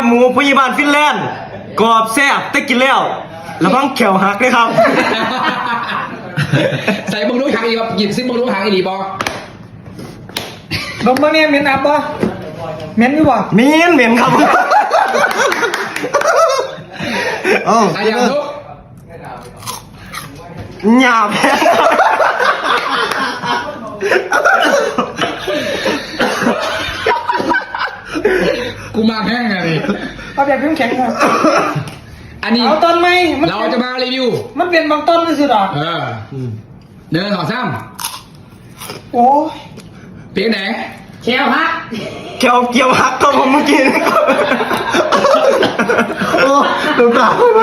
หมูพยาบาลฟินแลนด์กรอบแซ่บได้กินแล้วระวังแขวหักเลยครับใส่บังลูกหางอีกหยิบซิบังลูกหางอีดีบอลงมาเนี่ยเหม็นอับปะเหม็นอยู่ปะเหม็นครับโอ้อายังลูกหยาบแพ้กูมาแห้งไงนี่เอาแบบแข็งๆมาอันนี้เอาต้นไหมมันเราจะมารีวิวมันเป็นบางต้นไม่ใช่หรอเดินต่อซ้โอ้ยำเพียงไหนแควฮะแขวเกี่ยวหักครับผมเมื่อกี้นะครับโอ้ดูตา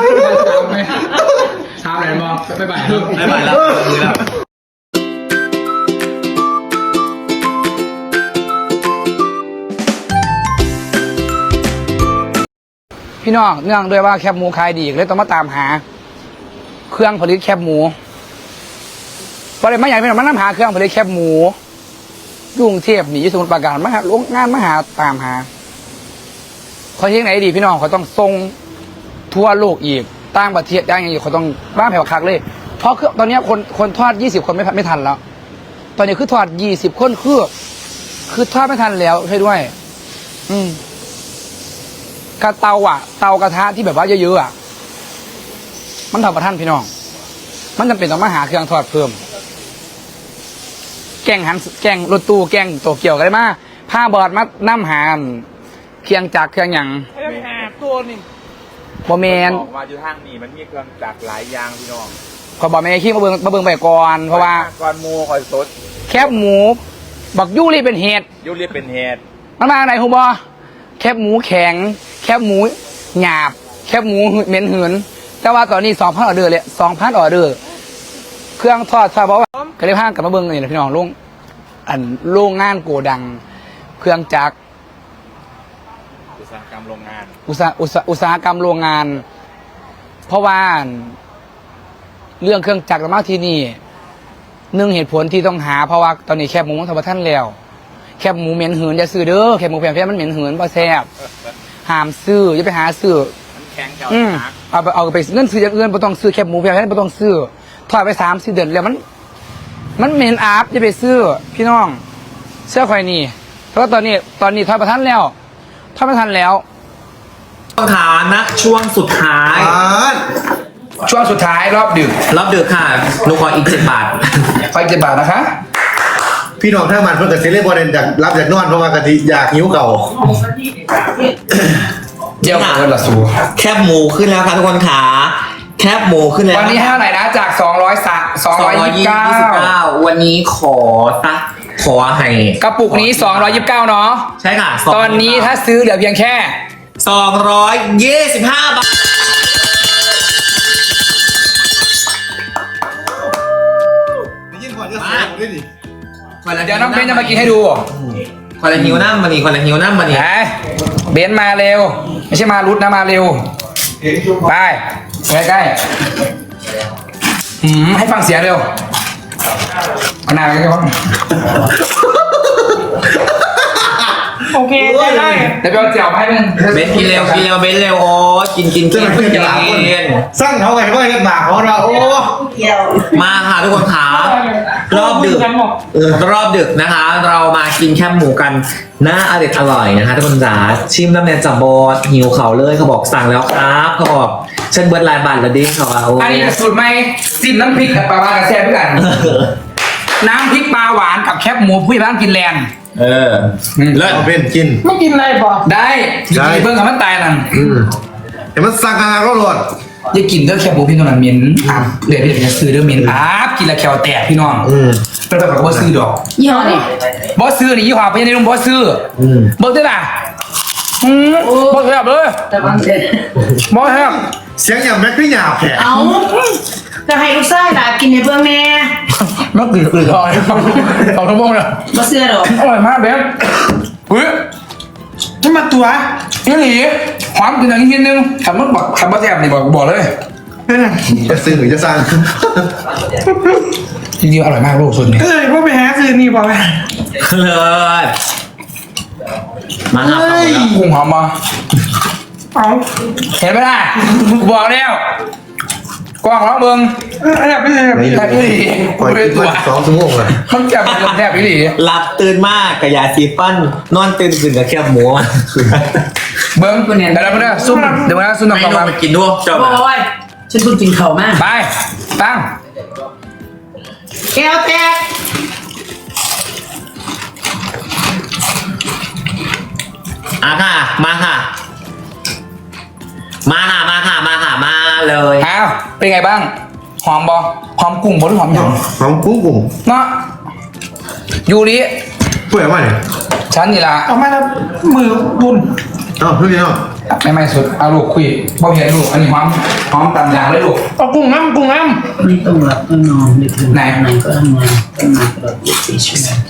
ซ้ำไหนมองไปไปไม่ไหวแล้วพี่น้องเนื่องด้วยว่าแคบหมูขายดีเลยต้องมาตามหา เครื่องผลิตแคบหมูประเด็นไม่ใหญ่พี่น้องมันนำหาเครื่องผลิตแคบหมูยุ่งเทียบหนีสมุทรปราการมาหาลงงานมาหาตามหาเขาเที่ยงไหนดีพี่น้องเขาต้องส่งทั่วโลกอีกต่างประเทศได้ยังอีกเขาต้องบ้าแผ่วคักเลยเพราะตอนนี้คนทอด20 คนไม่ทันแล้ว ตอนนี้คือทอด20 คนคือทอดไม่ทันแล้วใช่ด้วย กระเตาเตากระทะที่แบบว่าเยอะๆมันทำประท่านพี่น้องมันจำเป็นต้องมาหาเครื่องทอดเพิ่มแกงรถตู้แกงโตเกียวกันได้มาผ้าบอดมาน้ำหาเครื่องจักรเครื่องหยังไอ้หาตัวนี่บอแมนบอกว่าอยู่ทางนี้มันมีเครื่องจักรหลายอย่างพี่น้องขอบอแมนขี้มาเบิ่งไปก่อนเพราะว่าก้อนหมูคอยสดแคบหมูบักยูรีเป็นเห็ดยุเรียกเป็นเหตุมันมาไหนฮูบอแคบหมูแข็งแคบหมูหยาบแคบหมูเหม็นหืนแต่ว่าตอนนี้2,000 ออเดอร์เลย2,000 ออเดอร์เครื่องทอดเพราะว่าก็เลยพากลับมาเบิ่งนี่แหละพี่น้องโรงงานโกดัง เครื่องจักรอุตสาหกรรมโรงงานอุตสาหกรรมโรงงาน เพราะว่าเรื่องเครื่องจักรมากที่นี่หนึ่งเหตุผลที่ต้องหาเพราะว่าตอนนี้แคบหมูมันทำท่านแล้วแคบหมูเหม็นหืนจะซื้อเด้อแคบหมูแพงมันเหม็นหืนเพราะแซ่บห้ามซื้ออย่าไปหาซื้อมันแข็งเก่าเอาไปเงินซื้ออย่างอื่นไม่ต้องซื้อแคบหมูแพงไม่ต้องซื้อทอดไป3-4 เดือนแล้วมันเหม็นอาบอย่าไปซื้อพี่น้องเสื้อควายนี่เพราะว่าตอนนี้ทอดประทันแล้วขานะช่วงสุดท้ายช่วงสุดท้ายรอบดึกรอบดึกค่ะหนูขออีก7 บาทไฟ7 บาทนะคะพี่น้องถ้ามันเพื่อนกับเซเลบอลจากรับจากนอนเพราะว่ากะทิอยากหิวเก่าเดี๋ยวเงินละสูแคบหมูขึ้นแล้วค่ะทุกคนขาแคบหมูขึ้นแล้ววันนี้ให้เท่าไหร่นะจาก229 วันนี้ขอให้กระปุกนี้229เนาะใช่ค่ะตอนนี้ถ้าซื้อเหลือเพียงแค่ 225 บาทยิ่งกว่าจะเสียได้ดิเดี๋ยวน้องเบนจะมากินให้ดูคนละหิวน้ำมานี่คนละหิวน้ำมานี่ไหนเบนมาเร็วไม่ใช่มารุดนะมาเร็วไปใกล้ๆให้ฟังเสียงเร็วเอาหน้าไปก่อนโอเคได้เดี๋ยวไปเอาเจียวให้มึงเบนกินเร็วเบนเร็วโอ้กินสร้างเขาไงว่ากันหนาเขาเราโอ้มาค่ะทุกคนขารอบดึกนะคะ เรามากินแคบหมูกันน่าอร่อยนะคะทุกคนจ๋าชิมน้ำแนนจับบอดหิวเขาเลยเขาบอกสั่งแล้วครับเขาบอกเช่นเบิร์ดลายบัตรละดิ้งเขาเอาอันนี้สูตรใหม่จิ้มน้ำพริกกับปลาหวานกับแซ่บด้วยกันน้ำพริกปลาหวานกับแคบหมูผู้ใหญ่บ้านกินแลนด์เลิศเอาเป็นกินไม่กินอะไรปะได้กินเพิ่งกับมันตายนั่นเห็นมันสั่งงานก็หลดอย่ากินเด้อแคบหมูพี่น้องเหม็นอาบเดี๋ยวจะซื้อเด้อเหม็นอาบกินแล้วแควแตกพี่น้องเป็นแบบบอสซื้อดอกยี่ห้อนี่บอสซื้อนี่ยี่ห้อพญานิลบอสซื้อเบิกได้ป่ะบอสแซ่บเลยแต่บางเสร็จบอสแซ่บเสียงอย่างแม็กพี่หยาบแผลเอาจะให้ลูกชายล่ะกินในเบื้องแม่มันกลืนลอย2 ชั่วโมงเลยบ่เสื้อดอกอร่อยมากเบฟเฮ้ยนี่มาตัวนี่หลีความกินอย่างนี้นิดนึงขับรถบอกขับรถแซ่บนี่บอกเลยจะซื้อหรือจะสั่งจริงๆอร่อยมากลูกสุดนี่พวกไปหาซื้อนี่ปะเลิศมาครับกุ้งหอมมาเอาเห็นไหมล่ะบอกแล้วกล้องร้องเบิ้งอะไรไม่ใช่แทบอีหลีปล่อยไม่คลิปตัวมา2 ชั่วโมงเลยมันจับมันแทบอีหลีหลับตื่นมากกับยาสีฟัน นอนตื่นขึ้นกับแคบหมูเบิ้งเดี๋ยวเราไปนะซุ่มเดี๋ยวนะซุ่มไม่น้ำลตางไปกินด้วยเจ้าโอ้ยฉันเพิ่งกินข้าวมาไปตั้งแก้วแตกค่ะ มาค่ะ มาเลยอ้าวเป็นไงบ้างหอมบอหอมกุ้งบหรือหอมหยังหอมกุ้งกุ้งเนาะยูริเปื่อยมากเนี่ยฉันนี่ละเอามาแล้วมือบุญอ้าวพี่น้องไม่สุดเอาลูกคุยบ่เห็นลูกอันนี้หอมตำยางเลยลูกเอากุ้งน้ำไม่ต้องหลับต้องนอนดึกๆไหนไหนก็ทำงานต้องมาตลอด24 ชั่วโมง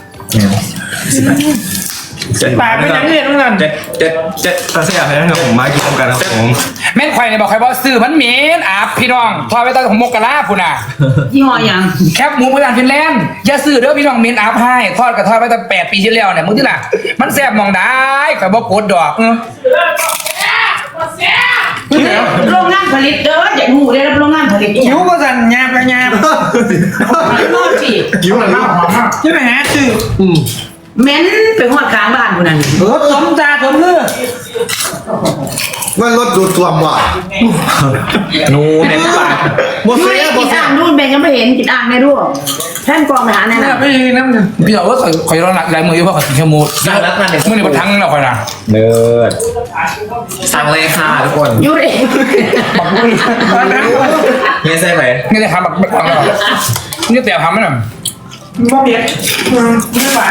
ปากไม่ยังเรียนเหมือนกันตาเสียให้ทั้งผมมากินพร้อมกันครับผมแม่นไข่เนี่ยบอกใครบอกซื้อมันเหม็นอาบพี่น้องทอดไว้ตอนของมกกะลาพุ่นน่ะยี่ห้อยังแคบหมูพยานฟินแลนด์อย่าซื้อเด้อพี่น้องเหม็นอาบให้ทอดกับทอดไว้ตั้ง8 ปีที่แล้วเนี่ยมึงที่ล่ะมันแซ่บมองได้ข่อยบอกกดดอกโรงงานผลิตเด้ออย่าหูได้รับโรงงานผลิตอีกหิวก็สั่นยาบกระยาบนอนสิกิ้วอะไรนี่ใช่ไหมฮะคือเหม็นไปหัวกลางบ้านคนนั้นสมตาสมเลือดว่ารถดูดท่วมว่ะนูเน็ตปากบ่ไม่เสียได้บ่กินเสียอ่างนู่นแบ่งยังไม่เห็นกินอ่างในด้วยแท่นกองทหารนั่นเนี่ยน่ะไม่ใช่น้ำหนึ่งพี่น้องว่าข่อยร้อนหลายมืออยู่เพราะข่อยกินแคบหมูมื่อนี้มันทั้งแล้วข่อยน่ะเนิร์ดสั่งเลยค่ะทุกคนยูริบักมือเนี่ยใช่ไหมนี่ได้ทำบักบักแล้วนี่แต่ทำมันน่ะบ่เผ็ดไม่หวาน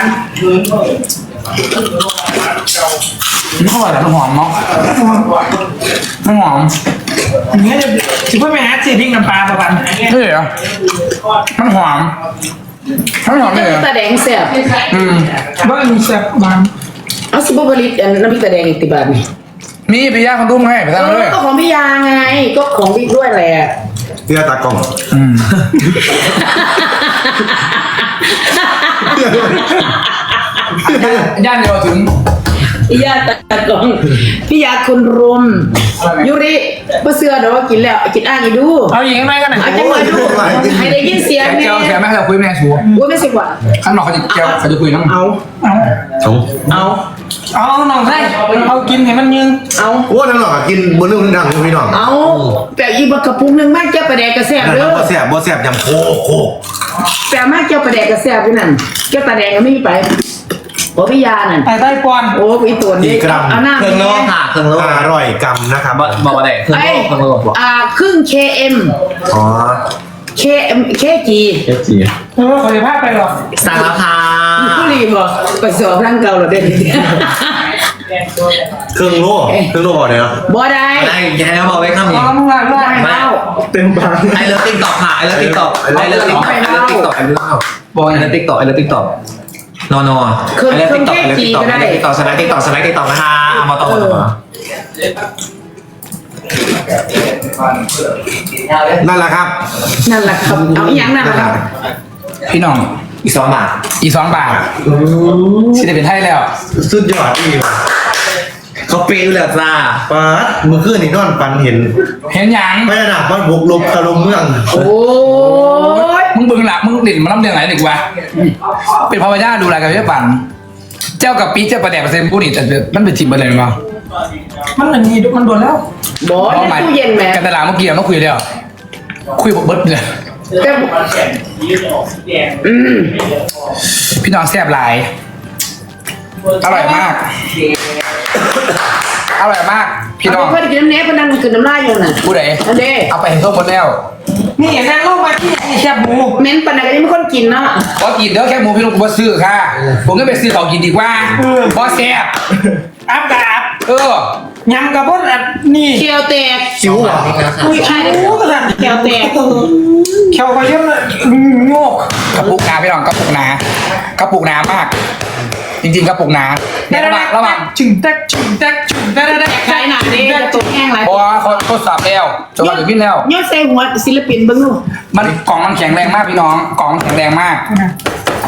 มันอร่อยแต่มันหอมเนาะมันหอมอย่างเงี้ยจะคิดว่าแม่ฮะสีพริกน้ำปลาประมาณเฮ้ยเหรอมันหอมมันหอมเลยเหรอตาแดงแซ่บบ้านมีแซ่บมันเอาสิบผลิตอันน้ำพริกตาแดงอีกติบาทนี่มีพี่ย่าคนรุ่มให้ไปทำเลยก็ของพี่ยาไงก็ของพี่ด้วยแหละเสื้อตากล้องย่านเดียวถึงพี่ยาตากองพี่ยาคนรุมยูริมาเสือเดี๋ยวว่ากินแล้วกินอ่างอีดูเอาอย่างไรกันหน่อยเอาจังหวะดูให้ได้ยินเสียงแกเนี่วแกไม่ให้เราคุยแม่ชัวว่าไม่สิกว่าข้างนอกเขาจะแกวเขาจะคุยน้องเอาสองเอาหน่องได้เอากินให้มันยืนเอาโอ้ทั้งหลอกกินบนเรื่องดังพี่น้องเอาแปะอีบักกระปุกหนึ่งมากเจ้าประแดกกระแซบนั่นเด้อบ่เสียบ่เสียยำโคโคแปะมากเจ้าประแดกกระแซบด้วยนั่นเจ้าตาแดงก็ไม่มีไปโอ้พี่ยานั่นไอ้ใต้ปอนโอ้อีตัวนี้เอาหน้าเครื่องโลค่ะเครื่องโล 500 กรัมนะครับบอกว่าไหนเครื่องไอ้โลเครื่องโลบอกครึ่ง KM อ๋อ KG เอฟซีเออขอจะพาไปหรอกสั่งแล้วค่ะผู้รีบอกไปสอบร่างเก่าเหรอเด่นเครื่องโล่เนี่ยนะบ่ได้ได้แค่บอกไว้คำนี้เอามึงละบ่ได้เมาเต็มปากไอเลิฟติ๊กต็อกค่ะไอเลิฟติ๊กต็อกไอเลิฟติ๊กต็อกไอเลิฟติ๊กต็อกไอเลิฟติ๊กต็อกบอกไอเลิฟติ๊กต็อกไอเลิฟติ๊กต็อกนอนไอเลิฟติ๊กต็อกไอเลิฟติ๊กต็อกไอเลิฟติ๊กต็อกสไลด์ติ๊กต็อกสไลด์ติ๊กต็อกนะคะเอามาต่อมาต่อมานั่นแหละครับนั่นแหละครับเอาอีหยังนั่นแหละครับพี่น้องอีก2 บาทอี2 บาทสิได้เป็นไทยแล้วสุดยอดอีกเขาปีนเลยจ้าป๊าดเมื่อคืนนี่นอนฝันเห็นเห็นยังพญานาคมันบุกลบตะลุมเมืองโอ้ยมึงเบิ่งหลับมึงดิ่นมาล้ำเดืองไหนดีกว่าเป็นพระวญาดูแลกันเยอะปั่นเจ้ากับปีเจ้าประแดกเปอร์เซ็นต์ผู้นี่แต่มันเป็นจิบอะไรมั้งมันเหมือนมีมันโดนแล้วบ่ในตู้เย็นแหม่กันตลาดเมื่อกี้เราคุยแล้วคุยบอกเบิร์ดเลยแต่พี่น้องแซ่บหลายอร่อยมากอร่อยมากพี่น้องเพื่อนกินน้ำเนปมันนั่งกินน้ำลายอยู่น่ะผู้ใดอันเด้เอาไปเห็นทั่วหมดแล้วนี่นางลงมาที่แคบหมูเม้นปานนันก็ยังไม่คนกินเนาะพอกินเด้อแค่หมูพี่ลูกบ่ซื้อค่ะ ผมก็ไปซื้อเขากินดีกว่าบ่แซ่บอัพกับอัพเออยำกับพวกนี่เคียวแตกสิวเหรออุ้ยใช่โอ้กระสันเคียวแตกเขียวก็เยอะเลยโงกกระปุกหนาพี่น้องกระปุกหนากระปุกหนามาก จริงๆกระปุกหนาเนี่ยระหว่างจึงแตกจึงแตกจึงแตกแตกใช่หนาเด้จะตกแห้งไรเพราะว่าเขาทดสอบแล้วจนมาถึงพี่แล้วยอดใส่หัวศิลปินเบิ่งดูมันกล่องมันแข็งแรงมากพี่น้องกล่องแข็งแรงมาก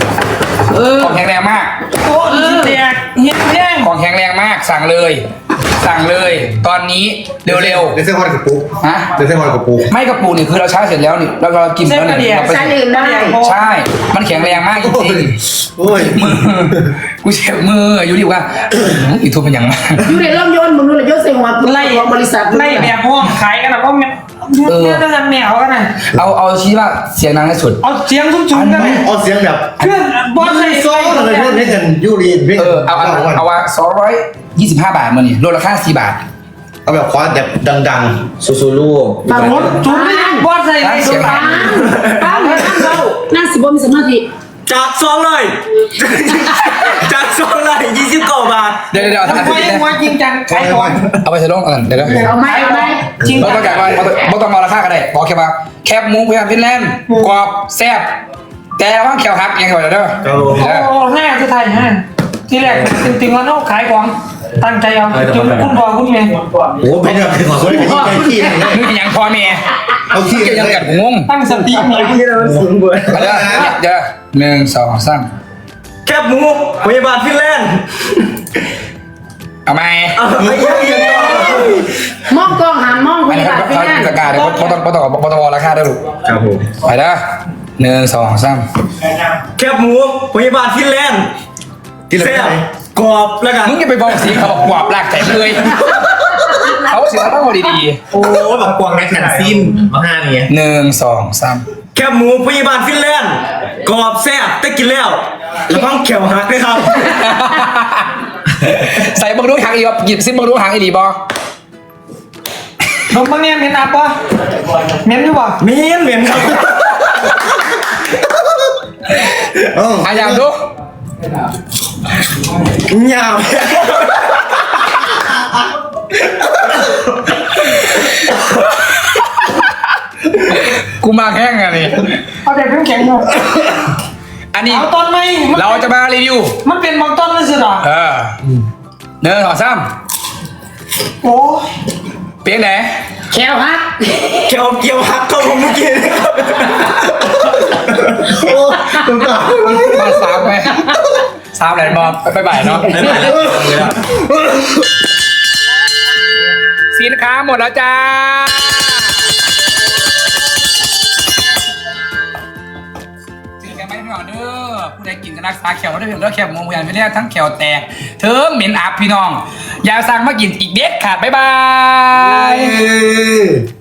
เออกล่องแข็งแรงมากโอ้ยแตกเฮี้ยแย่งกล่องแข็งแรงมากสั่งเลยสั่งเลยตอนนี้เร็วเดี๋ยวเส้นฮอนกับปูๆฮะเดี๋ยวเส้นฮอนกับปูไม่กระปูนี่คือเราใช้เสร็จแล้วนี่เรากินแล้วนี่เราไปใช้ลืมได้ใช่ มันแข็งแรงมากจริงโอ้ยๆมือกูเจ็บมืออยู่ดีว่าอีทุบเป็นอย่างมากอยู่ในร่มยนต์มึงนู่นเลยยศเสียงวัดไล่ของบริษัทไล่แบบห้องขายกันนะก็แม่เนี่ยต้องทำแมวกันนะเอาชี้ว่าเสียงดังที่สุดเอาเสียงซุ้มๆกันเลยเอาเสียงแบบเพื่อนบอสใส่โซ่อะไรพวกนี้กันยูรีนเอาว่า225 บาทมานี่ลดราคา4 บาทเอาแบบคว้าแบบดังซูลูกบางคนจุ๊บบอสใส่ในสุดปังปังเรานั่งสิบ่มีสมาธิจาก2เลย จาก2เลย29 บาทเดี๋ยวทำไมยังว่าจริงจังขายของเอาไปใส่ลงกันเดี๋ยวเอาไหมเอาไหมจริงเราต้องการว่าเราต้องมาราคากันได้บอกแค่ว่าแคบหมูพยายามฟินแลนด์กรอบแซ่บแต่ว่าแขวหักยังไงเด้อๆครับผมโอ้ง่ายที่ไทยฮะที่แรกจริงๆแล้วน้องขายของตั้งใจเอาจนคุณพ่อคุณแม่โอ้เป็นแบบเป็นของคนที่ใจขี้เลยมึงยังพอเมียเอาขี้เกี่ยวเลยังยกัดงงตั้งสติมีที่เราสูงเบิร์เดี๋ยว1 2 3 แคบหมูพยาบาลฟินแลนด์เอาไหมไม่ใช่ยังไงมองกล้องหันมองอันนี้บาเขาทไปนั่นประกาศเลยเขาต้องราคาได้ลูกครับผมไปเด้อ1 2 3 แคบหมูพยาบาลฟินแลนด์ที่เราแซ่ไปบกรอบแล้วกันมึงจะไปบอกสีเขาบอกกวาดลากใจเลยเขาเสียต้องพอดีโอ้แบบกวางในแผ่นซิมมาห้านี้ๆ1 2 3 แคบหมูพยาบาลฟินแลนด์กรอบแซ่บแต่กินแล้วระวังแขวหักด้วยครับใส่บังดูหางอีกหยิบซิบังดูหางอีดีบอผมบางเนี่ยเม้นอัพปะเม้นอยู่ปะเหม็นครับพยายามดูยาวกูมาแข่งกันนี่เอาแต่แข็งๆหน่อยอันนี้เอาตอนไหมเราจะมารีวิวมันเป็นบางต้นนั่นสิหรอ 1 2 3 โอ้เปียงไหนแควฮักแขวเกี่ยวหักเข้าผมเมื่อกี้นะครับโอ้ตรงกลางมา3ไหม3แหลนบอลไปบ่ายเนาะสินค้าหมดแล้วจ้าสินค้าไม่ได้หน่อยเด้อผู้ใดกินก็รักษาแขวได้เพียงแล้วแขวมงพยานไปแล้วทั้งแขวแตกเถิงเหม็นอับพี่น้อง อย่าสั่งมากินอีกเด็ดขาดบ๊ายบาย